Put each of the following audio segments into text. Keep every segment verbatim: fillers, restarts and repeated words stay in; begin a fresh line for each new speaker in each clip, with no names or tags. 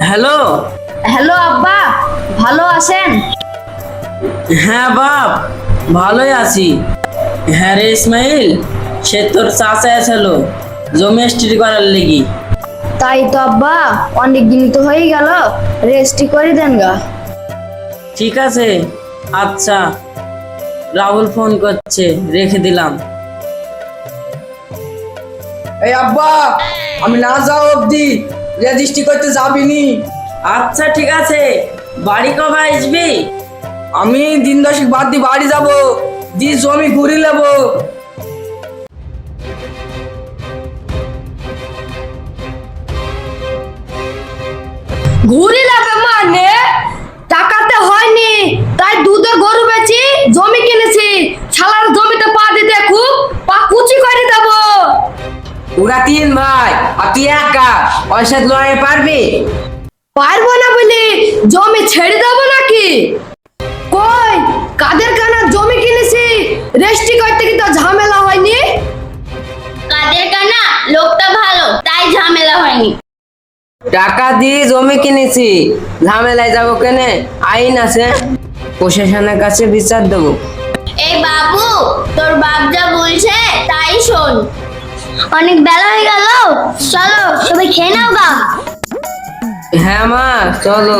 Hello.
Hello আব্বা, ভালো আছেন?
হ্যাঁ বাপ, ভালোই আছি। হ্যাঁ রে ইসমাইল, সে তোর চাচা এসেছিল জমি রেজিস্ট্রি করার লেগি।
তাই তো আব্বা, অনেক দিন তো হয়ে গেল, রেস্টই করে দেন গা।
ঠিক আছে, আচ্ছা। রাহুল ফোন করছে, রেখে দিলাম।
এই আব্বা, আমি না যাও অবধি রেজিস্ট্রি করতে যাবিনি।
আচ্ছা ঠিক আছে, বাড়ি কবে আসবি?
আমি দিন দশেক বাদ দিয়ে বাড়ি যাব, দি জমি ঘুরি নেব।
ঘুরি লাভে মানে টাকাতে হয়নি, তাই দুধের গরু বেচি জমি কিনেছি। শালার জমিতে পা দিতে খুব পা কুচি করে দেব।
ওরা তিন ভাই আর তুই একা, ওর সাথে লড়াই পারবি?
পারবো না বলি জমি ছেড়ে দেবো নাকি? কই কাদের কানা জমি কিনেছি, রেস্টি করতে কি তো ঝামেলা হয়নি?
কাদের কানা লোকটা ভালো, তাই ঝামেলা হয়নি।
টাকা দিয়ে জমি কিনেছি, ঝামেলায় যাবো কেনে? আইন আছে, প্রশাসনের কাছে বিচার দেবো।
এই বাবু, তোর বাপ যা বলছে তাই শোন। অনেক বেলা হয়ে গেল, চলো সবাই খেয়ে নাও গা।
হ্যাঁ মা, চলো।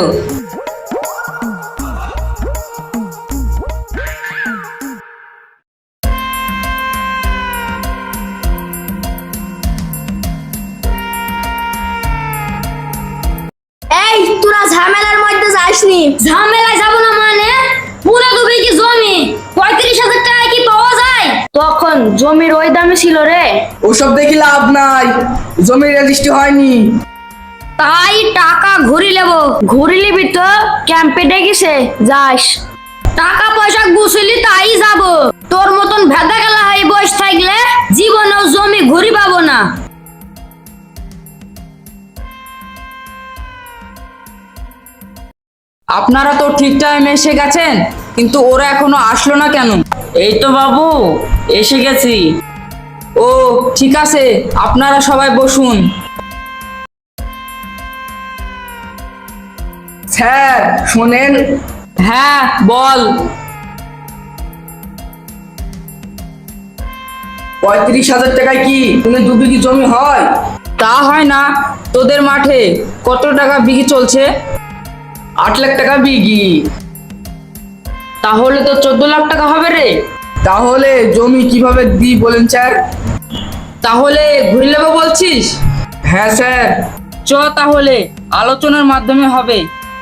এই তোরা ঝামেলার মধ্যে যাসনি। ঝামেলায় যাব না মানে? পুরো দু বিঘি জমি পঁয়ত্রিশ হাজার টাকা কি পাওয়া যায়? তখন জমির ওই দামে ছিল রে।
ওসব দেখি লাভ নাই, জমি রেজিস্ট্রি হয়নি।
তাই টাকা ঘুরি নেব। ঘুরি নিবি তো? ক্যাম্পে ডেকেছে, যাস। টাকা পয়সা গুছিলি তাই যাব। তোর মতন ভেদা গেলা হয়ে বসে থাকলে জীবনেও জমি ঘুরি পাবো না।
আপনারা তো ঠিক টাইমে এসে গেছেন, কিন্তু ওরা এখনো আসলো না কেন?
এই তো বাবু, এসে গেছি।
ও ঠিক আছে, আপনারা সবাই বসুন।
স্যার শোনেন।
হ্যাঁ বল।
পঁয়ত্রিশ হাজার টাকায় কি তুমি দু বিঘি জমি হয়?
তা হয় না। তোদের মাঠে কত টাকা বিঘি চলছে?
আট লাখ টাকা বিঘি।
তাহলে তো চোদ্দ লাখ টাকা হবে রে।
তাহলে জমি কিভাবে দিই বলেন স্যার?
তাহলে ঘুরে নেবো বলছিস?
হ্যাঁ স্যার।
চ তাহলে আলোচনার মাধ্যমে হবে।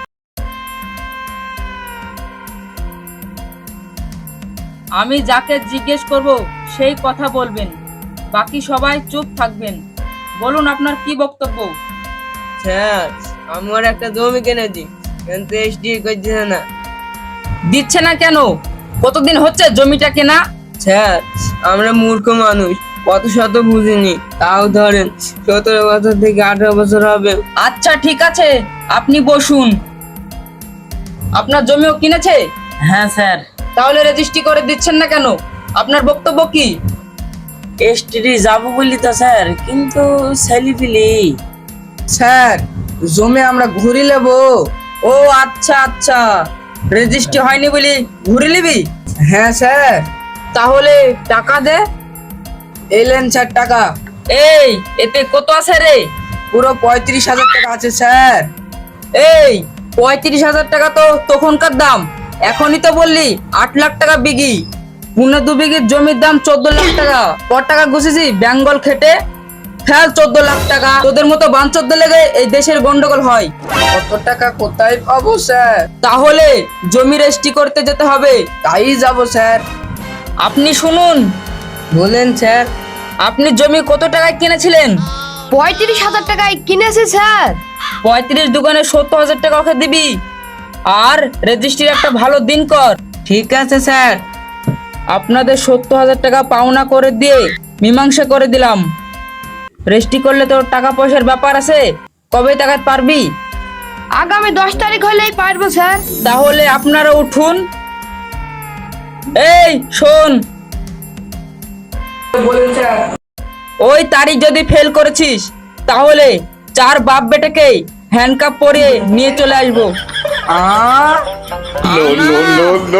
আমি যাকে জিজ্ঞেস করব সেই কথা বলবেন, বাকি সবাই চুপ থাকবেন। বলুন আপনার কি বক্তব্য?
স্যার, আমার একটা জমি কিনেছি, কিন্তু এসডি করছে না।
দিচ্ছে না কেন? কতদিন হচ্ছে জমিটা কেনা?
স্যার, আমরা মূর্খ মানুষ, কত শত বুঝিনি। তাও ধরেন সতেরো বছর থেকে আঠারো বছর হবে।
আচ্ছা ঠিক আছে, আপনি বসুন। আপনার জমিও কিনেছে?
হ্যাঁ স্যার।
তাহলে রেজিস্ট্রি করে দিচ্ছেন না কেন? আপনার বক্তব্য কি?
রেজিস্ট্রি যাবো বলি তো স্যার, কিন্তু ছেলেপিলি।
স্যার জমি আমরা ঘুরি নেব।
ও আচ্ছা আচ্ছা, রেজিস্ট্রি হয়নি বলি ঘুরে নিবি?
হ্যাঁ স্যার।
তাহলে টাকা দে।
এলেন স্যার টাকা।
এই এতে কত আছে রে?
পুরো পঁয়ত্রিশ হাজার টাকা আছে স্যার।
এই পঁয়ত্রিশ হাজার টাকা তো তখনকার দাম, এখনই তো বললি আট লাখ টাকা বিঘি। পুনে দু বিঘির জমির দাম চোদ্দ লাখ টাকা। কত টাকা ঘুষেছি বেঙ্গল খেটে? ফেল চোদ্দ লাখ টাকা। তোদের মতো বাঞ্চোদ্দ লেগে এই দেশের গন্ডগোল হয়।
কত টাকা কোথায় পাবো স্যার?
তাহলে জমি রেজিস্ট্রি করতে যেতে হবে।
তাই যাব স্যার।
আপনি শুনুন,
বলেন স্যার।
আপনি জমি কত টাকায় কিনেছিলেন?
পঁয়ত্রিশ হাজার টাকায় কিনেছি স্যার।
পঁয়ত্রিশ দোকানে সত্তর হাজার টাকা ওকে দিবি, আর রেজিস্ট্রির একটা ভালো দিন কর।
ঠিক আছে স্যার।
আপনাদের সত্তর হাজার টাকা পাওনা করে দিয়ে মীমাংসা করে দিলাম। রেজিস্ট্রি করলে তোর টাকা পয়সার ব্যাপার আছে, কবে টাকা পারবি?
আগামী দশ তারিখ হলেই পারবো স্যার।
তাহলে আপনারা উঠুন। এই শোন,
বলেন স্যার।
ওই তারিখ যদি ফেল করেছিস তাহলে চার বাপ বেটাকে হ্যান্ডকাপ পরিয়ে নিয়ে চলে আসবো। আ
No, no, no, no.